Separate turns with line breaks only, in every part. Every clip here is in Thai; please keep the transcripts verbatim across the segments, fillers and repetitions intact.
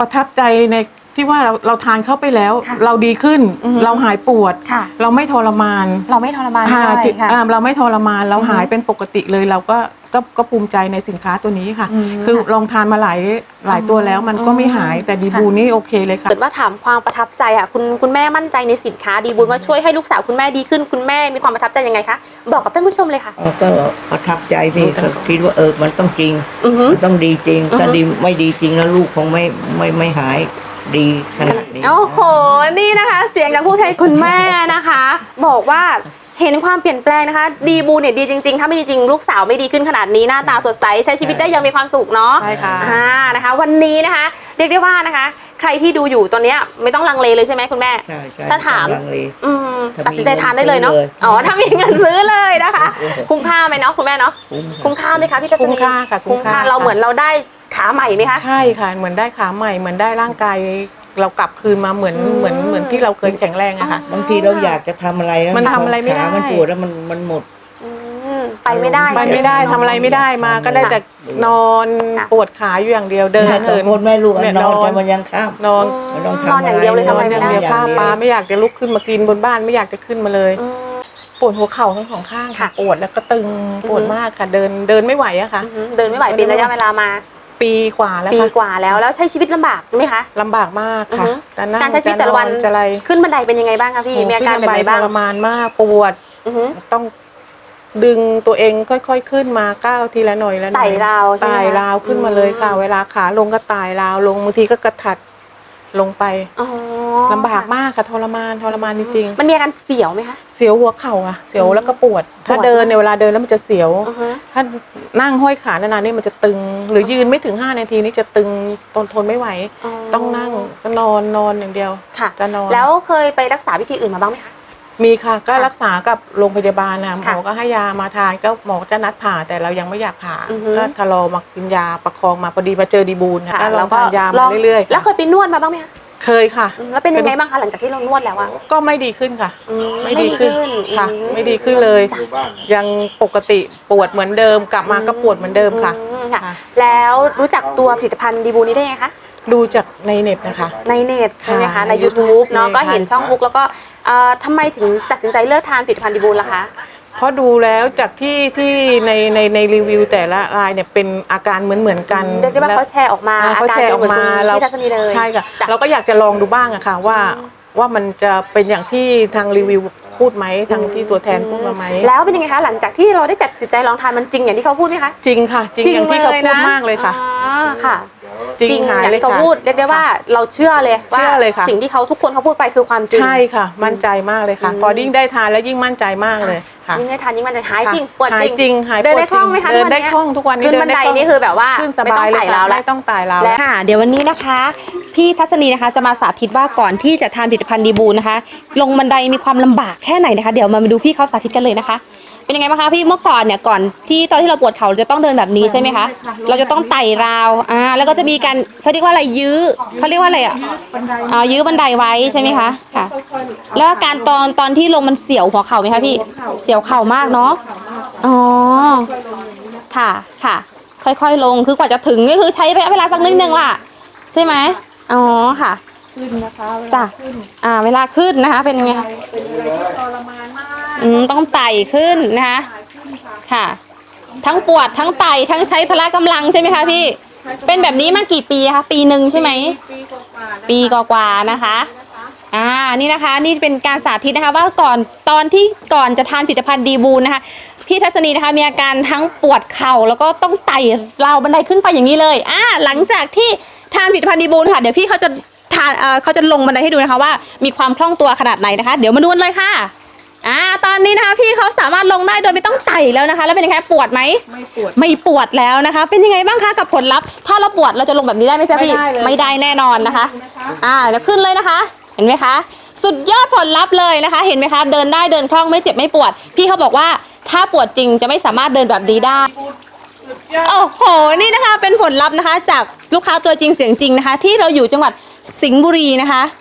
ประทับใจในที่ว่าเราเราทานเข้าไปแล้ว เราดีขึ้นเราหายปวดเราไม่ทรมาน
เราไม่ทรมานด้วยค่ะ
เราไม่ทรมานเราหายเป็นปกติเลยเราก็ก็ก็ภูมิใจในสินค้าตัวนี้ค่ะคือลองทานมาหลายหลายตัวแล้วมันก็ไม่หายแต่ดีบูนี่โอเคเลยค่ะ
เกิดว่าถามความประทับใจอ่ะคุณคุณแม่มั่นใจในสินค้าดีบูว่าช่วยให้ลูกสาวคุณแม่ดีขึ้นคุณแม่มีความประทับใจยังไงคะบอกกับท่านผู้ชมเลยค่ะ
ก็ประทับใจพี่คิดว่าเออมันต้องจริงมันต้องดีจริงถ้าดีไม่ดีจริงแล้วลูกคงไม่ไม่ไม่หายดีขนาดนี้
โอ้โหนี่นะคะเสียงจากผู้ใช้คุณแม่นะคะบอกว่าเห็นความเปลี่ยนแปลงนะคะดีบูเนี่ยดีจริงๆถ้าไม่ดีจริงลูกสาวไม่ดีขึ้นขนาดนี้หน้าตาสดใสใช้ชีวิตได้ยังมีความสุขเนาะ
ใช่ค่ะ
อ่านะคะวันนี้นะคะเรียกได้ว่านะคะใครที่ดูอยู่ตอนนี้ไม่ต้องลังเลเลยใช่ไหมคุณแม่
ใช่ใช่
ถ้าถามอืมตัดสินใจทานได้เลยเนาะ
อ๋อ
ถ้ามีเงินซื้อเลยนะคะคุ้มค่าไหมเนาะคุณแม่เนาะคุ้มค่าไหมคะพี่ทัศนี
คุ้มค่าค่ะ
คุ้มค่าเราเหมือนเราได้ขาใหม่ไหมคะ
ใช่ค่ะเหมือนได้ขาใหม่เหมือนได้ร่างกายเรากลับคืนมาเหมือนเหมือนเหมือนที่เราเคยแข็งแรงอะค่ะ
บางทีเราอยากจะทำอะไร
มันทำอะไรไม่ได้
มันปวดแล้วมันมันหมด
ไปไม่ได้
ไปไม่ได้ทำอะไรไม่ได้มาก็ได้แต่นอนปวดขาอยู่อย่างเดียวเดิน
เหินแม่ลูกนอนมันยังข้าม
นอน
นอนอย่างเดียวเลยทำอะไรไม่ได้
ข้ามปลาไม่อยากจะลุกขึ้นมากินบนบ้านไม่อยากจะขึ้นมาเลยปวดหัวเข่าทั้งสองข้างค่ะปวดแล้วก็ตึงปวดมากค่ะเดินเดินไม่ไหวอะค่ะ
เดินไม่ไหวเป็นระยะเวลามา
ปีกว่าแล้ว
ปีกว่าแล้วแล้วใช้ชีวิตลำบากไหมคะ
ลำบากมากค่ะ
การใช้ชีวิตแต่ละวันขึ้นบันไดเป็นยังไงบ้างคะพี่มีอาการแบบไหนบ้าง
ทรมานมากปวดต้องดึงตัวเองค่อยๆขึ้นมาก้าวทีละหน่อยละหน่อย
ไต่ราว
ไต่ราวขึ้นมาเลยค่ะเวลาขาลงก็ไต่ราวลงบางทีก็กระถัดลงไปลำบากมากค่ะทรมานทรมานจริง
ๆมันมีอาการเสียวไหมคะ
เสียวหัวเข่าอะเสียวแล้วก็ปวดถ้าเดินในเวลาเดินแล้วมันจะเสียวถ้านั่งห้อยขานานๆนี่มันจะตึงหรือยืนไม่ถึงห้านาทีนี่จะตึงทนทนไม่ไหวต้องนั่งก็นอนนอนอย่างเดียว
จะนอนแล้วเคยไปรักษาวิธีอื่นมาบ้างไหมคะ
มีค่ะก็รักษากับโรงพยาบาลนะหมอก็ให้ยามาทานก็หมอจะนัดผ่าแต่เรายังไม่อยากผ่าก็ทะลอมากินยาประคองมาพอดีมาเจอดีบูลค่ะเราก็ทานยามาเรื่อย
ๆแล้วเคยไปนวดมาบ้างไหมคะ
เคยค่ะ
แล้วเป็นยังไงบ้างคะหลังจากที่เรานวดแล้วอะ
ก็ไม่ดีขึ้นค่ะไม่ดีขึ้นค่ะไม่ดีขึ้นเลยยังปกติปวดเหมือนเดิมกลับมาก็ปวดเหมือนเดิมค่ะ
แล้วรู้จักตัวผลิตภัณฑ์ดีบูนี้ได้ไงคะ
ดูจากในเน็ตนะคะ
ในเน็ตใช่ไหมคะใน ยูทูบ เนาะก็เห็นช่องบุ๊กแล้วก็ทำไมถึงตัดสินใจเลิกทานผลิตภัณฑ์ดีบูล่ะคะ
เพราะดูแล้วจากที่ที่ในในในรีวิวแต่ละรายเนี่ยเป็นอาการเหมือนเหมือนกัน
เรียกได้ว่าเขาแชร์ออกมา
เขาแชร์ออกมาเราใช่ค่ะเราก็อยากจะลองดูบ้างอะค่ะว่าว่ามันจะเป็นอย่างที่ทางรีวิวพูดไหมทางที่ตัวแทนพูดมาไหม
แล้วเป็นยังไงคะหลังจากที่เราได้จัดสินใจลองทานมันจริงอย่างที่เขาพูดไหมคะ
จริงค่ะจริงอย่างที่เขาพูดมากเลยค่ะ
ค่ะจริงอย่างที่เขาพูดเรียกได้ว่าเราเชื่อเลยว่าสิ่งที่เขาทุกคนเขาพูดไปคือความจริง
ใช่ค่ะมั่นใจมากเลยค่ะพอยิ่งได้ทานแล้วยิ่งมั่นใจมากเลยค่ะ
ยิ่งได้ทานยิ่งมั่นใจหายจริงปวด
จริง
เดินได้คล่องไหมคะ
เดินได้คล่องทุกวันนี้
ขึ้นบันไดนี่คือแบบว่าไม่ต้องไต่ราวแล้ว
ไม่ต้องไต่ราว
แล้วค่ะเดี๋ยววันนี้นะคะพี่ทัศนีนะคะจะมาสาธิตว่าก่อนที่จะทานผลิตภัณฑ์ดีบูนะคะลงบันไดมีความลำบากแค่ไหนนะคะเดี๋ยวมาดูพี่เขาสาธิตกันเลยนะคะเป็นยังไงบ้างคะพี่เมื่อก่อนเนี่ยก่อนที่ตอนที่เราปวดเข่าจะต้องเดินแบบนี้ใช่ไหมคะเราจะต้องไต่ราวอ่าแล้วก็จะมีการเขาเรียกว่าอะไรยื้อเขาเรียกว่าอะไรอ่ะอ่ายื้อบันไดไว้ใช่ไหมคะค่ะแล้วการตอนตอนที่ลงมันเสียวหัวเข่าไหมคะพี่เสียวเข่ามากเนาะอ๋อค่ะค่ะค่อยๆลงคือกว่าจะถึงก็คือใช้ระยะเวลาสักนิดนึงล่ะใช่ไหมอ๋อค่ะ
ขึ้นนะคะ
จ้ะอ่าเวลาขึ้นนะคะเป็นยังไงคะอืมต้องไต่ขึ้นนะคะค่ะทั้งปวดทั้งไต่ทั้งใช้พละกำลังใช่ไหมคะพี่เป็นแบบนี้มากี่ปีคะปีหนึ่งใช่ไหมปีกว่าๆนะคะอ่านี่นะคะนี่เป็นการสาธิตนะคะว่าก่อนตอนที่ก่อนจะทานผลิตภัณฑ์ดีบูนะคะพี่ทัศนีนะคะมีอาการทั้งปวดเข่าแล้วก็ต้องไต่ราวบันไดขึ้นไปอย่างนี้เลยอ่าหลังจากที่ทานผลิตภัณฑ์ดีบูค่ะเดี๋ยวพี่เขาจะทานเอ่อเขาจะลงบันไดให้ดูนะคะว่ามีความคล่องตัวขนาดไหนนะคะเดี๋ยวมาดูเลยค่ะอ่าตอนนี้นะคะพี่เขาสามารถลงได้โดยไม่ต้องไต่แล้วนะคะแล้วเป็นยังไงปวดไหม
ไม่ปวด
ไม่ปวดแล้วนะคะเป็นยังไงบ้างคะกับผลลัพธ์ถ้าเราปวดเราจะลงแบบนี้ได้ไหมพี่ไม่ได้แน่นอนนะคะอ่าแล้วขึ้นเลยนะคะเห็นไหมคะสุดยอดผลลัพธ์เลยนะคะเห็นไหมคะเดินได้เดินคล่องไม่เจ็บไม่ปวดพี่เขาบอกว่าถ้าปวดจริงจะไม่สามารถเดินแบบนี้ได้โอ้โหนี่นะคะเป็นผลลัพธ์นะคะจากลูกค้าตัวจริงเสียงจริงนะคะที่เราอยู่จังหวัดสิงห์บุรีนะคะท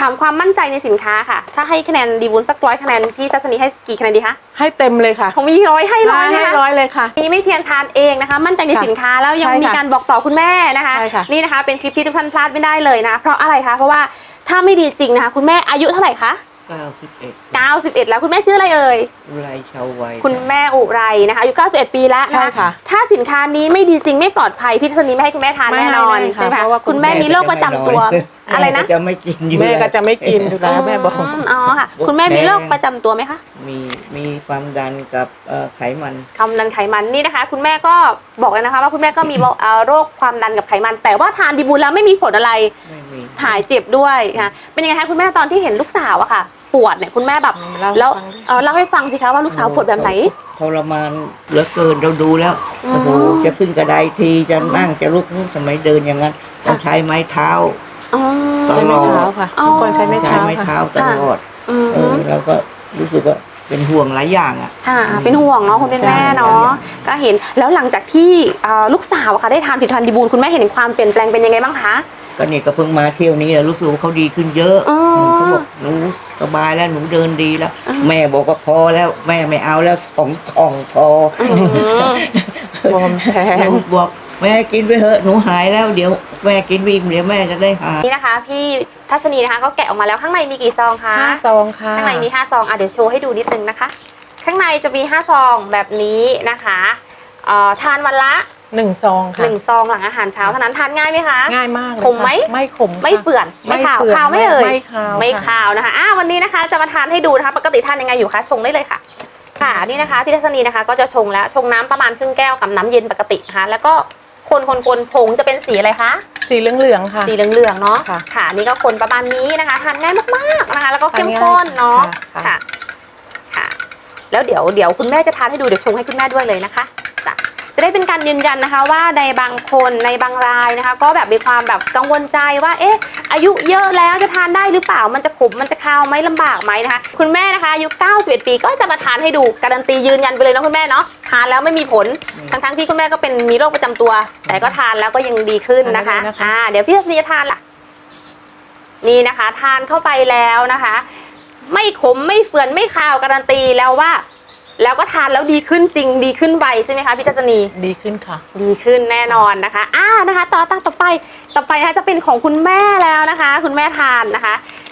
ถามความมั่นใจในสินค้าค่ะถ้าให้คะแนนดีบุญสักร้อยคะแนนพี่ทัศนีให้กี่คะแนนดีคะ
ให้เต็มเลยค่ะ
ผมมีร้อยให้ร้อย
ให้
นะคะ
ร้อยเลยค่ะ
นี่ไม่เพียงทานเองนะคะมั่นใจในสินค้าแล้วยัง
ใช่ค่ะ
มีการบอกต่อคุณแม่นะคะ
ใช่ค่ะ
นี่นะคะเป็นคลิปที่ทุกท่านพลาดไม่ได้เลยนะเพราะอะไรคะเพราะว่าถ้าไม่ดีจริงนะคะคุณแม่อายุเท่าไหร่คะ
เก้าสิบเอ็ด
เก้าสิบเอ็ดแล้วคุณแม่ชื่ออะไรเอ่ย
อุไรชาววัย
คุณแม่อุไรนะคะอายุเก้าสิบเอ็ดปีแล้ว
ใช่
นะ
ค่ะ
ถ้าสินค้านี้ไม่ดีจริงไม่ปลอดภัยพี่ทัศนีไม่ให้คุณแม่ทาน
ไม่
แน่นอน
ให้เลยค่ะ
ใช่ไหม
เพ
คะ
ราะว่าคุ
คุณ ณแม่มีโรคประจำตัวอะไรนะ
แม่ก็จะไม่กินอยู่
แม่ก็จะไม่กินอยู่แล้วแม่บอก
มอ๋อค่ะคุณแม่มีโรคประจำตัวไหมคะ
มีมีความดันกับเอ่อไขมัน
ความดันไขมันนี่นะคะ คุณแม่ก็บอกเลยนะคะว่าคุณแม่ก็มีเอ่อโรคความดันกับไขมัน แต่ว่าทานดีบูลแล้วไม่มีผลอะไร
ไม่มี
หายเจ็บด้วยค่ะเป็นยังไงคะคุณแม่ตอนที่เห็นลูกสาวอะค่ะ ปวดเนี่ยคุณแม่แบบ
เล่าให้
แล้ว
ฟังดิ
เอ่อเล่าให้ฟังสิคะว่าลูกสาวปวดแบบไหน
ทรมานเหลือเกินเราดูแล้ว
อืม
โอ้โหจะขึ้นกระไดทีจะนั่งจะลุกนู่นทำไมเดินอย่างนั้นต้องใช้ไม้เท้า
อ๋อ
ตลอด
ใช้ไม้เท้าค่ะ
อ๋อ
เมื่อก่อนใช้ไม้
ใช้
เท้า
ไม้
ค่ะ
เท้าตลอด
อืม
เออแล้วก็รู้สึกว่าเป็นห่วงหลายอย่างอ่ะ
ค่ะเป็นห่วงเนาะคุณเป็นแม่เนาะก็เห็นแล้วหลังจากที่เอ่อลูกสาวอะค่ะได้ทานผลิตภัณฑ์ดีบูลคุณแม่เห็นความเปลี่ยนแปลงเป็นยังไงบ้างคะ
ก็นี่ก็เพิ่งมาเที่ยวนี้แหละรู้สึกว่าเขาดีขึ้นเยอะ
อ๋อ
เขาบอกหนูสบายแล้วหนูเดินดีแล้ว
อืม
แม่บอกว่าพอแล้วแม่ไม่เอาแล้วสองกล่องพอ
อืม
บวมแพ้
หนูบอกแม่กินไปเถอะหนูหายแล้วเดี๋ยวแม่กินวิ่งเดี๋ยวแม่จะได้หาย
นี่นะคะพี่ทัศนีนะคะก็แกะออกมาแล้วข้างในมีกี่ซองคะ
ห้าซองค่ะ
ข้างในมีห้าซองอ่ะเดี๋ยวโชว์ให้ดูนิดนึงนะคะ ข้างในจะมีห้าซองแบบนี้นะคะเอ่อทานวันละ
หนึ่งซองค่ะ
หนึ่งซองหลังอาหารเช้าเท่านั้นทานง่ายไหมคะ
ง่ายมากเลย
ขมไหม
ค่ะไม่ขมค่ะ
ไม่เฟื่อนไม่ขาว
เฟื่อน
ขาวไม่เอ่ย
ไม่ขาว
ไม่
ค่ะ
ขาวนะคะอ่ะวันนี้นะคะจะมาทานให้ดูนะคะ ปกติทานยังไงอยู่คะชงได้เลยค่ะ ค่ะนี่นะคะพี่ทัศนีนะคะก็จะชงแล้วชงน้ำประมาณครึ่งแก้วกับน้ำเย็นปกตินะคะแล้วก็คนคนคนผงจะเป็นสีอะไรคะ
สีเหลืองๆค่ะ
สีเหลืองๆเนาะ
ค่ะ
ค่ะนี่ก็คนประมาณนี้นะคะทานง่ายมากๆนะคะ แล้วก็เข้มข้นเนาะ
ค่ะ
ค่ะค่ะ แล้วเดี๋ยวเดี๋ยวคุณแม่จะทานให้ดูเดี๋ยวชงให้คุณแม่ด้วยเลยนะคะจ้ะจะได้เป็นการยืนยันนะคะว่าในบางคนในบางรายนะคะ ก็แบบมีความแบบกังวลใจว่าเอ๊ะอายุเยอะแล้วจะทานได้หรือเปล่ามันจะขมมันจะคาวไหมลำบากไหมนะคะ คุณแม่นะคะอายุเก้าสิบเอ็ดปีก็จะมาทานให้ดูการันตียืนยันไปเลยนะคุณแม่เนาะทานแล้วไม่มีผล ทั้งๆที่คุณแม่ก็เป็นมีโรคประจำตัว แต่ก็ทานแล้วก็ยังดีขึ้นนะคะ
ทานได้เลยนะคะ
อ่าเดี๋ยวพี่ทัศนีจะทานล่ะนี่นะคะ ทานเข้าไปแล้วนะคะ ไม่ขมไม่เฟื่อนไม่คาวการันตีแล้วว่า แล้วก็ทานแล้วดีขึ้นจริงดีขึ้นไวใช่ไหมคะพี่ทัศนี
ดีขึ้นค่ะ
ดีขึ้นแน่นอนนะคะอ่านะคะต่อต่อต่อไปต่อไปนะคะจะเป็นของคุณแม่แล้วนะคะ คุณแม่ทานนะคะ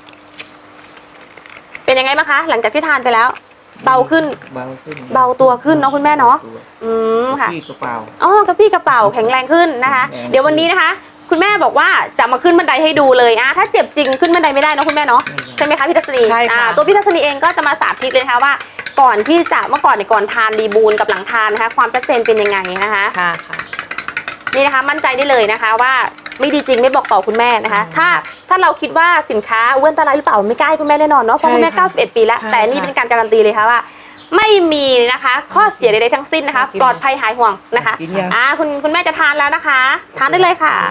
เป็นยังไงบ้างคะ หลังจากที่ทานไปแล้ว เบาขึ้น
เบาขึ้น
เบาตัวขึ้นเนาะคุณแม่เนาะ อืมค่ะ
พี่กระเป๋า
อ๋อกระปี้กระเป๋าแข็งแรงขึ้นนะคะ
แข็งแรง
เดี๋ยววันนี้นะคะ คุณแม่บอกว่าจะมาขึ้นบันไดให้ดูเลยอ่ะถ้าเจ็บจริงขึ้นบันไดไม่ได้เนอะคุณแม่เนาะใช่ไหมคะพี่ทัศนี
ใช่ค่ะ
อ่าตัวพี่ทัศนีเองก็จะมาสาธิตเลยนะคะว่า ก่อนที่จะเมื่อก่อนในยก่อนทานดีบูลกับหลังทานนะคะ ความชัดเจนเป็นยังไงนะคะ
ค่ะค่ะ
นี่นะคะมั่นใจได้เลยนะคะว่าไม่ดีจริงไม่บอกต่อคุณแม่นะคะ ถ้าถ้าเราคิดว่าสินค้าอ้วนตรายหรือเปล่าไม่กล้าให้คุณแม่แน่นอนเนาะเพราะคุณแม่
ใช่ค่ะ
เก้าสิบเอ็ดปีแล้ว
ใช่
แต่นี่
ค่ะ
เป็นการการันตีเลยค่ะว่า ไม่มีนะคะข้อเสียใดๆทั้งสิ้นนะคะ
กิน
ปลอดภัยหายห่วงนะคะ
กินยัง
อ่าคุณคุณแม่จะทานแล้วนะคะ ทานได้เลยค่ะ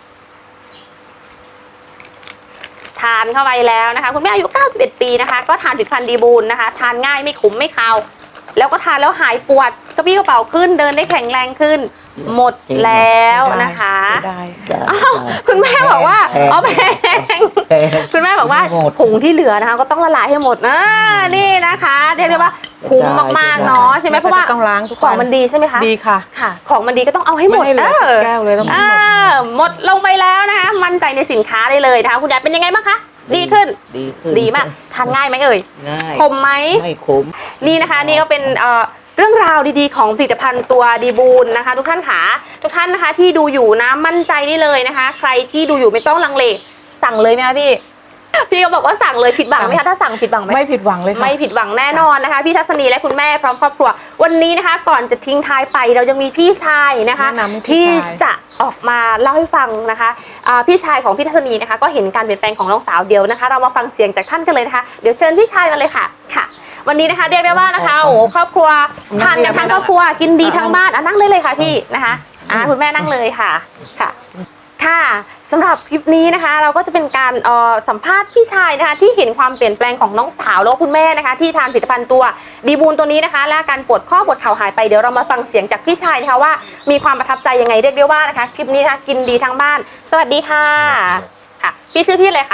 ทานเข้าไปแล้วนะคะ คุณแม่อายุเก้าสิบเอ็ดปีนะคะ ก็ทานผลิตภัณฑ์ดีบูลนะคะ ทานง่ายไม่ขมไม่คาวแล้วก็ทานแล้วหายปวดกระปี้กระเป๋าขึ้นเดินได้แข็งแรงขึ้น หมดแล้วนะคะ
ได้
อ้าวคุณแม่บอกว่าอ๋อแพงคุณแม่บอกว่าผงที่เหลือนะคะ ก็ต้องละลายให้หมดนะนี่นะคะเรียกได้ว่าคุ้มมากๆเนาะใช่ไหมเพราะว่า
ต้องล้างทุก
ข
วั
อง
น
มันดีใช่ไหมคะ
ดีค่ะ
ค่ะ ของมันดีก็ต้องเอาให้หมด
ไม่ให้เหลือ
เออ
แก้วเลยต้องหมด
อ่าหมดลงไปแล้วนะคะ มั่นใจในสินค้าได้เลยนะคะ คุณยายเป็นยังไงบ้างคะดีขึ้น
ดีขึ้น
ดีมากทานง่ายไหมเอ่ย
ง่าย
ขมไหม
ไม่ขม
นี่นะคะนี่ก็เป็นเอ่อเรื่องราวดีๆของผลิตภัณฑ์ตัวดีบูลนะคะ ทุกท่านขาทุกท่านนะคะที่ดูอยู่นะมั่นใจได้เลยนะคะ ใครที่ดูอยู่ไม่ต้องลังเลสั่งเลยไหมคะพี่ พี่ก็บอกว่าสั่งเลยผิดหวังไหมคะถ้าสั่งผิดหวังไหม
ไม่ผิดหวังเลยค่ะ
ไม่ผิดหวังแน่นอนนะคะ พี่ทัศนีและคุณแม่พร้อมครอบครัววันนี้นะคะ ก่อนจะทิ้งท้ายไปเรายังมีพี่ชายนะคะ
แนะนำให้พี่
ที่
ชาย
จะออกมาเล่าให้ฟังนะคะอ่าพี่ชายของพี่ทัศนีนะคะ ก็เห็นการเปลี่ยนแปลงของน้องสาวเดียวนะคะ เรามาฟังเสียงจากท่านกันเลยนะคะเดี๋ยวเชิญพี่ชายมาเลยค่ะค่ะ วันนี้นะคะเรียกได้ว่านะคะโอ้โหครอบครัวทานกันทั้งครอบครัวกินดีทั้งบ้านอ่ะนั่งเลยเลยค่ะพี่นะคะอ่าคุณแม่นั่งเลยค่ะค่ะค่ะสำหรับคลิปนี้นะคะ เราก็จะเป็นการเอ่อสัมภาษณ์พี่ชายนะคะ ที่เห็นความเปลี่ยนแปลงของน้องสาวแล้วก็คุณแม่นะคะ ที่ทานผลิตภัณฑ์ตัวดีบูลตัวนี้นะคะ และอาการปวดข้อปวดเข่าหายไปเดี๋ยวเรามาฟังเสียงจากพี่ชายนะคะว่ามีความประทับใจยังไงเรียกได้ว่านะคะคลิปนี้นะคะกินดีทั้งบ้าน สวัสดีค่ะค่ะพี่ชื่อพี่อะไรคะ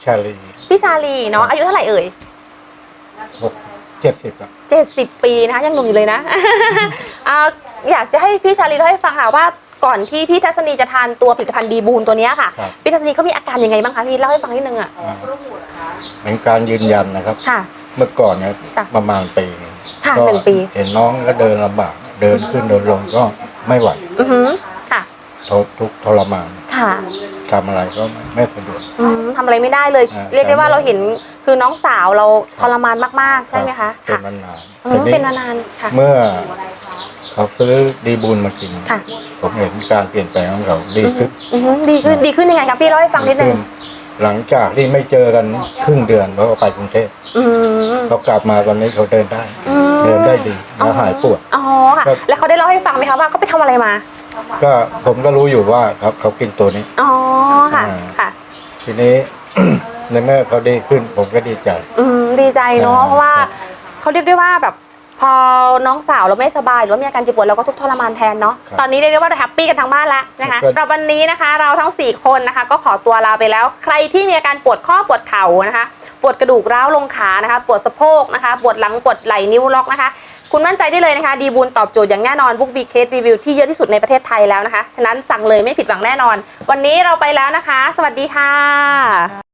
ชาลี
พี่ชาลีเนาะอายุเท่าไหร่เอ่ย
หกเจ็ดสิบครับ
เจ็ดสิบปีนะคะยังหนุ่มอยู่เลยนะ อ่าอยากจะให้พี่ชาลีเล่าให้ฟังค่ะว่าก่อนที่พี่ทัศนีจะทานตัวผลิตภัณฑ์ดีบูนตัวเนี้ยค่ะ
ครับ
พี่ทัศนีเขามีอาการยังไงบ้างคะพี่เล่าให้ฟังนิดนึงอ่ะ
อ่าเป็นการยืนยันนะครับ
ค่ะ
เมื่อก่อนเนี่ย
จ้ะ
ประมาณปีหนึ่ง
ค่ะ
ก็
หนึ่งปี
เห็นน้องก็เดินลำบากเดินขึ้นเดินลงก็ไม่ไหว
อือหือค่ะ
ทนทุกข์ทรมาน
ค่ะ
ทำอะไรก็ไม่สะดวก
อืมทำอะไรไม่ได้เลย
อ่า
เรียกได้ว่าเราเห็นคือน้องสาวเราทรมานมากๆใช่ไหมคะ
เป็น
ค่ะ
นานๆ
อื
ที
ม
นี้
เป็นนานๆค่ะ
เมื่อเขาซื้อดีบูลมากิน
ค่ะ
ผมเห็นการเปลี่ยนแปลงของเขาดีขึ้น
อือหือดีขึ้นดีขึ้นยังไงครับพี่เล่าให้ฟังนิดนึง
ขึ้หลังจากที่ไม่เจอกันครึ่งเดือนเพราะว่าไปกรุงเทพ
อืม
เขากลับมาตอนนี้เขาเดินได้
อืม
เดินได้ดีแล้วหายปวด
อ๋อค่ะ
ครับ
แล้วเขาได้เล่าให้ฟังไหมคะว่าเขาไปทำอะไรมา
ก็ผมก็รู้อยู่ว่าเขาเขากินตัวนี้
อ๋อค่ะ
อ่า
ค่ะ
ทีนี้ ในเมื่อเขาดีขึ้นผมก็ดีใจ
อืมดีใจเนาะ
อ่า
เพราะว่าเขาเรียกได้ว่าแบบพอน้องสาวเราไม่สบายหรือว่ามีอาการเจ็บปวดเราก็ทุกข์ทรมานแทนเนาะ
ครับ
ตอนนี้เรียกได้ว่าเราแฮปปี้กันทั้งบ้านแล้วนะคะ
ครับ
เราวันนี้นะคะ เราทั้งสี่คนนะคะ ก็ขอตัวลาไปแล้ว ใครที่มีอาการปวดข้อปวดเข่านะคะ ปวดกระดูกร้าวลงขานะคะ ปวดสะโพกนะคะ ปวดหลังปวดไหล่นิ้วล็อกนะคะ คุณมั่นใจได้เลยนะคะ ดีบูนตอบโจทย์อย่างแน่นอนบุ๊กบีเคสรีวิวที่เยอะที่สุดในประเทศไทยแล้วนะคะฉะนั้นสั่งเลยไม่ผิดหวังแน่นอน วันนี้เราไปแล้วนะคะ สวัสดีค่ะ